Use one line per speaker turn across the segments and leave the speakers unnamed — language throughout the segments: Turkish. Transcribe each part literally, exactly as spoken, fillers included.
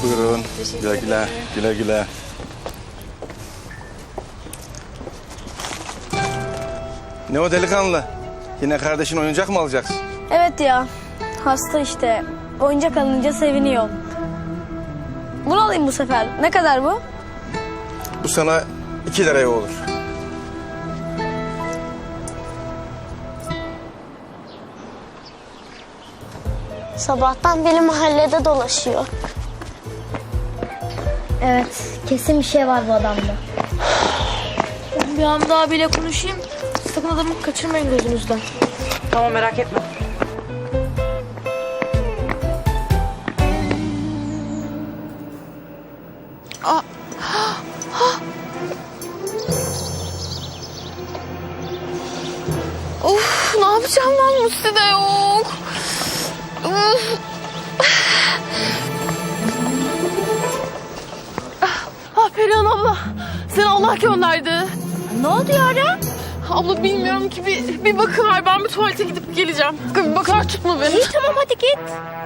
Buyurun. Güle güle. Güle güle. Ne o delikanlı? Yine kardeşin oyuncak mı alacaksın?
Evet ya. Hasta işte. Oyuncak alınca seviniyor. Bunu alayım bu sefer. Ne kadar bu?
Bu sana iki liraya olur.
Sabahtan beri mahallede dolaşıyor.
Evet, kesin bir şey var bu adamda.
Bir Hamdi abiyle konuşayım. Sakın adamı kaçırmayın gözünüzden.
Tamam, merak etme. Aa. Of, ne yapacağım ben, Musti de yok. Of. Ah Perihan abla, seni Allah gönderdi.
Ne oldu ya?
Abla bilmiyorum ki, bir, bir bakıver, ben bir tuvalete gidip geleceğim. Bir bakar tutma beni.
İyi tamam hadi git.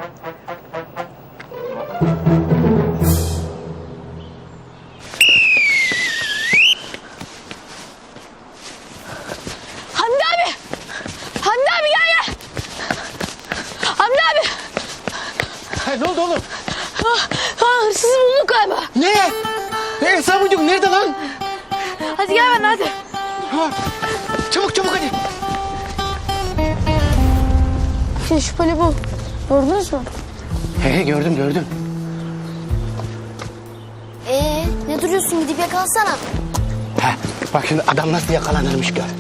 Hamdi abi! Hamdi abi gel gel! Hamdi abi!
Ha, ne oldu oğlum?
Ha, ha, hırsızı bulduk galiba.
Ne? Ne Sabucuk nerede lan?
Hadi gel ben hadi.
Ha, çabuk çabuk hadi.
Şey, şüpheli bu. Gördünüz mü?
He he gördüm gördüm.
Ee, ne duruyorsun, gidip yakalasana.
Ha, bak şimdi adam nasıl yakalanırmış gör.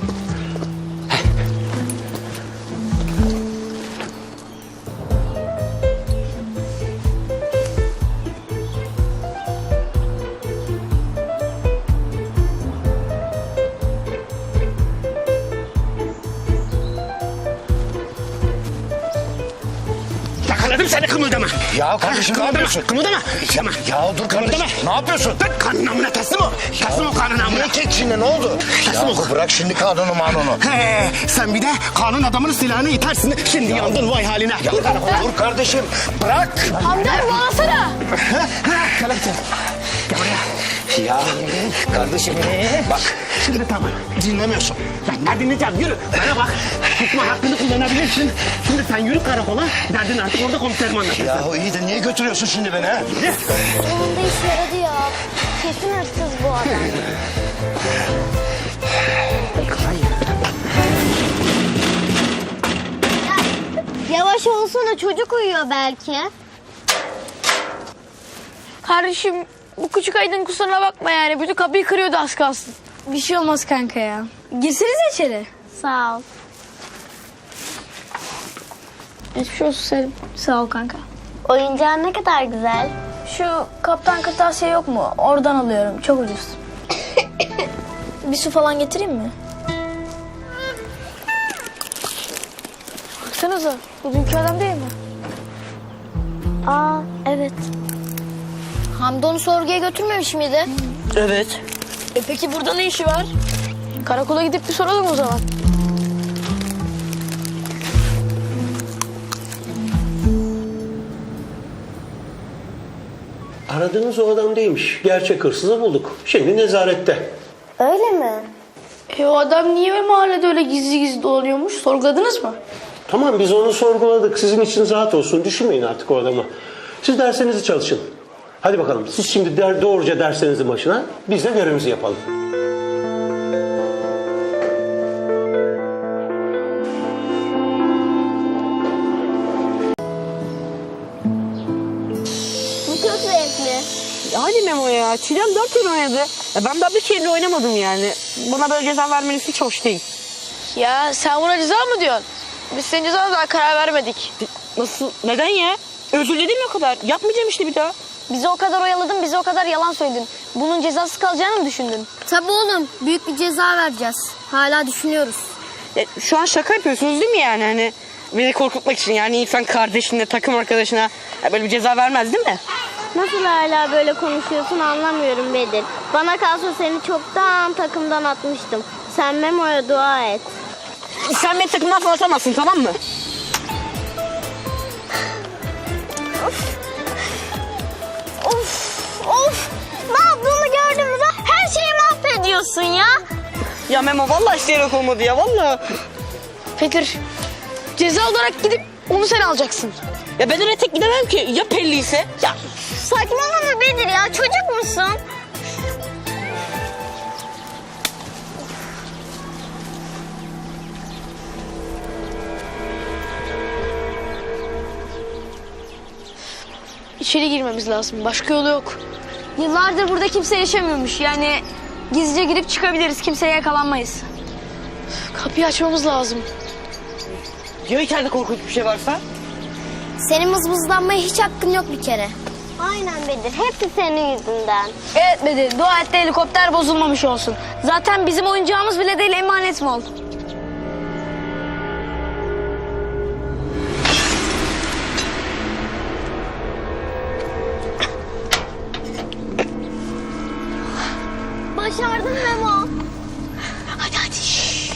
Yakaladım seni, kımıldama.
Ya kardeşim ne yapıyorsun?
Kımıldama. Kımıldama.
Ya dur kardeşim.
Kımıldama.
Ne yapıyorsun?
Dur, kanun namına teslim ol. Teslim ol kanun namına.
Ne çek şimdi ne oldu?
Teslim ol.
Ya bırak şimdi kanunu manunu.
He, sen bir de kanun adamının silahını itersin. Şimdi yandın vay haline.
Ya dur, dur kardeşim bırak.
Hamdi abi bağlasana.
Gel sen. Gel buraya.
Ya kardeşim bak.
Şimdi tamam. Dinlemiyorsun. Ben ne dinleyeceğim? Yürü. Bana bak. Tutma hakkını kullanabilirsin. Şimdi sen yürü karakola. Derdin artık orada komiserim anlatır.
Ya iyi de niye götürüyorsun şimdi beni ha?
Sonunda işe yaradı ya. Kesin hırsız bu adam. Ya, yavaş olsana, çocuk uyuyor belki.
Kardeşim bu küçük Aydın kusuruna bakma yani. Bütün kapıyı kırıyordu az kalsın. Bir şey olmaz kanka ya. Girsenize içeri.
Sağ ol.
Hiçbir olsun Selim. Sağ ol kanka.
Oyuncağın ne kadar güzel.
Şu kaptan kırtasiye yok mu? Oradan alıyorum. Çok ucuz. Bir su falan getireyim mi? Baksanıza. Bu dünkü adam değil mi?
Aa, evet. Hamdi onu sorguya götürmemiş miydi?
Evet.
E peki burada ne işi var? Karakola gidip bir soralım o zaman.
Aradığınız o adam değilmiş. Gerçek hırsızı bulduk. Şimdi nezarette.
Öyle mi?
E o adam niye mahallede öyle gizli gizli dolanıyormuş? Sorguladınız mı?
Tamam, biz onu sorguladık. Sizin için rahat olsun. Düşünmeyin artık o adamı. Siz derslerinizi çalışın. Hadi bakalım. Siz şimdi der, doğruca derslerinizin başına. Biz de görevimizi yapalım.
Bu çok zevkli.
Hadi Memo ya. Çilem dört kere oynadı. Ya ben daha bir kere oynamadım yani. Bana böyle ceza vermeniz hiç hoş değil.
Ya sen buna ceza mı diyorsun? Biz senin cezana daha karar vermedik.
Nasıl? Neden ya? Özür diledim o kadar. Yapmayacağım işte bir daha.
Bizi o kadar oyaladın, bize o kadar yalan söyledin. Bunun cezası kalacağını mı düşündün?
Tabii oğlum, büyük bir ceza vereceğiz. Hala düşünüyoruz.
Ya, şu an şaka yapıyorsunuz değil mi yani? Hani beni korkutmak için, yani insan kardeşine, takım arkadaşına ya böyle bir ceza vermez değil mi?
Nasıl hala böyle konuşuyorsun anlamıyorum Bedir. Bana kalsa seni çoktan takımdan atmıştım. Sen Memo'ya dua et.
Sen beni takımdan falan atamazsın, tamam mı?
Of
Ya Memo vallahi isteyerek olmadı ya vallahi.
Bedir, ceza olarak gidip onu sen alacaksın.
Ya ben öyle tek gidemem ki. Ya Pelli ise? Ya
Saçmalama Bedir ya, çocuk musun?
İçeri girmemiz lazım. Başka yolu yok. Yıllardır burada kimse yaşamıyormuş. Yani gizlice girip çıkabiliriz. Kimseye yakalanmayız. Kapıyı açmamız lazım.
ya içeride korkunç bir şey varsa?
Senin mızmızlanmaya hiç hakkın yok bir kere.
Aynen Bedir, hepsi senin yüzünden.
Evet Bedir, dua et de helikopter bozulmamış olsun. Zaten bizim oyuncağımız bile değil, emanet mi oldu?
Başardın Memo.
Hadi hadi. Şşş.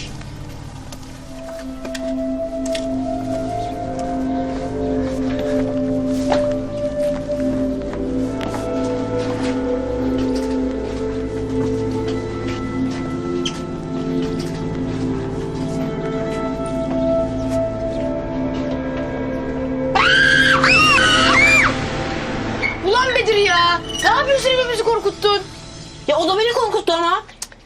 Ulan Bedir ya! Ne yapıyorsun, hepimizi korkuttun?
Ya o da beni korkuttu ama.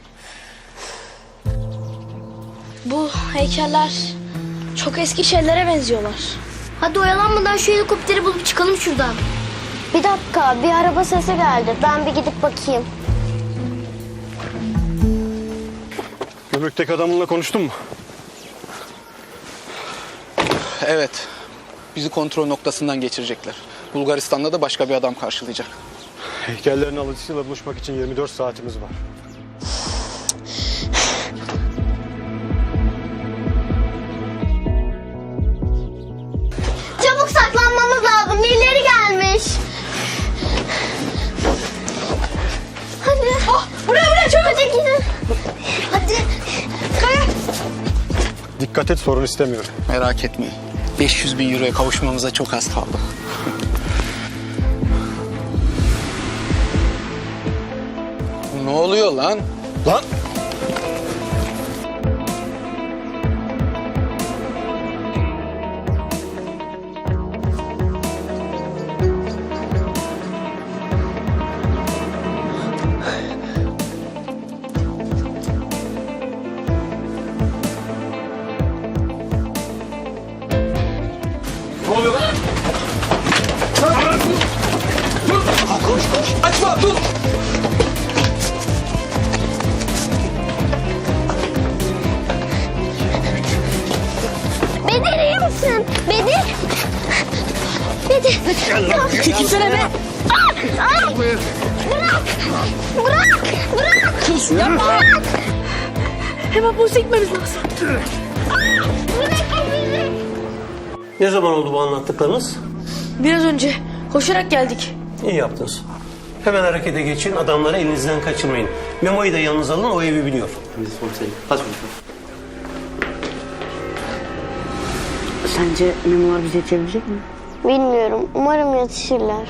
Bu heykeller çok eski şeylere benziyorlar.
Hadi oyalanmadan şu helikopteri bulup çıkalım şuradan.
Bir dakika, bir araba sesi geldi. Ben bir gidip bakayım.
Gümrükteki adamınla konuştun mu?
Evet. Bizi kontrol noktasından geçirecekler. Bulgaristan'da da başka bir adam karşılayacak.
Heykellerin alıcısıyla buluşmak için yirmi dört saatimiz var.
Çabuk saklanmamız lazım. Birileri gelmiş. Hadi.
Ah, buraya buraya çabuk.
Hadi gidin. Hadi.
Kaya.
Dikkat et, sorun istemiyorum.
Merak etmeyin. beş yüz bin euroya kavuşmamıza çok az kaldı. Ne oluyor lan?
Lan!
Ne oluyor lan?
Açma, dur!
Bedir iyi misin? Bedir. Bedir.
Çekilsene be.
Ay. Bırak. Bırak. Bırak.
Sus yapma. Hemen polise gitmemiz lazım.
Bırak bizi.
Ne zaman oldu bu anlattıklarınız?
Biraz önce koşarak geldik.
İyi yaptınız. Hemen harekete geçin, adamları elinizden kaçırmayın. Memo'yu da yanınıza alın, o evi biliyor.
Sence Memo'lar bizi yetişebilecek mi?
Bilmiyorum. Umarım yetişirler.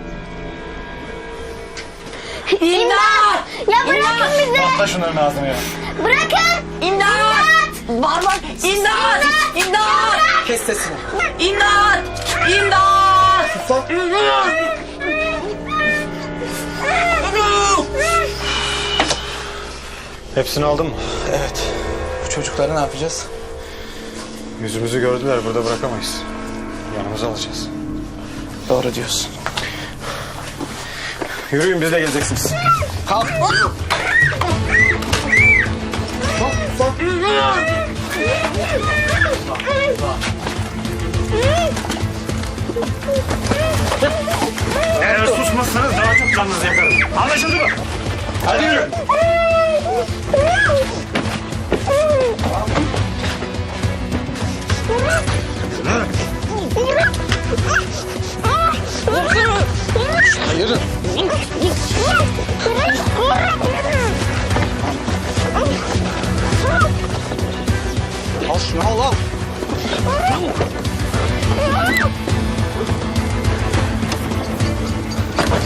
İmdat!
Ya bırakın bizi.
Atla şunların ağzını ya.
Bırakın.
İmdat! Var var! İmdat! İmdat!
Kes sesini.
İmdat! İmdat!
Hepsini aldın mı?
Evet. Bu çocukları ne yapacağız?
Yüzümüzü gördüler, burada bırakamayız. Yanımıza alacağız.
Doğru diyorsun.
Yürüyün, biz de geleceksiniz.
Kalk.
Eğer susmazsanız daha çok canınızı yakarım. Anlaşıldı mı? Hadi yürü.
Yürü. Al şunu, al al.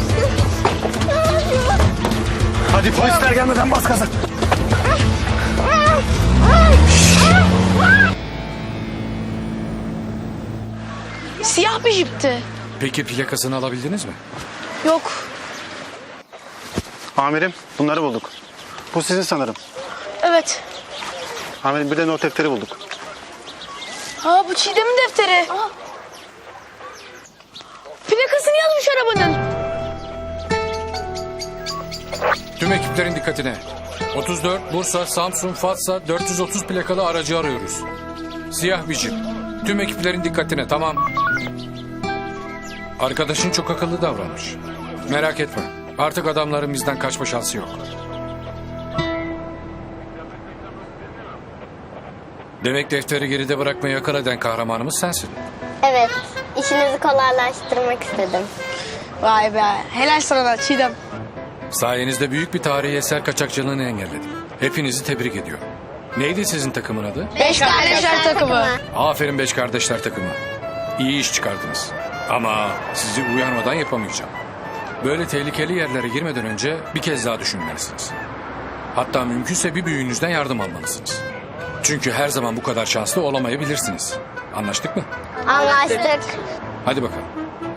Hadi polisler gelmeden bas gaza.
Siyah bir jipti.
Peki plakasını alabildiniz mi?
Yok.
Amirim bunları bulduk. Bu sizin sanırım.
Evet.
Amirim bir de not defteri bulduk.
Aa bu Çiğdem'in defteri. Plakasını yazmış arabanın.
Tüm ekiplerin dikkatine. otuz dört Bursa Samsun Fatsa dört yüz otuz plakalı aracı arıyoruz. Siyah bir jip. Tüm ekiplerin dikkatine, tamam. Arkadaşın çok akıllı davranmış. Merak etme. Artık adamların bizden kaçma şansı yok. Demek defteri geride bırakmayı akıl eden kahramanımız sensin.
Evet, işinizi kolaylaştırmak istedim.
Vay be. Helal sana Çiğdem.
Sayenizde büyük bir tarihi eser kaçakçılığını engelledim. Hepinizi tebrik ediyorum. Neydi sizin takımın adı?
Beş kardeşler takımı.
Aferin beş kardeşler takımı. İyi iş çıkardınız. Ama sizi uyarmadan yapamayacağım. Böyle tehlikeli yerlere girmeden önce bir kez daha düşünmelisiniz. Hatta mümkünse bir büyüğünüzden yardım almalısınız. Çünkü her zaman bu kadar şanslı olamayabilirsiniz. Anlaştık mı?
Anlaştık.
Hadi bakalım.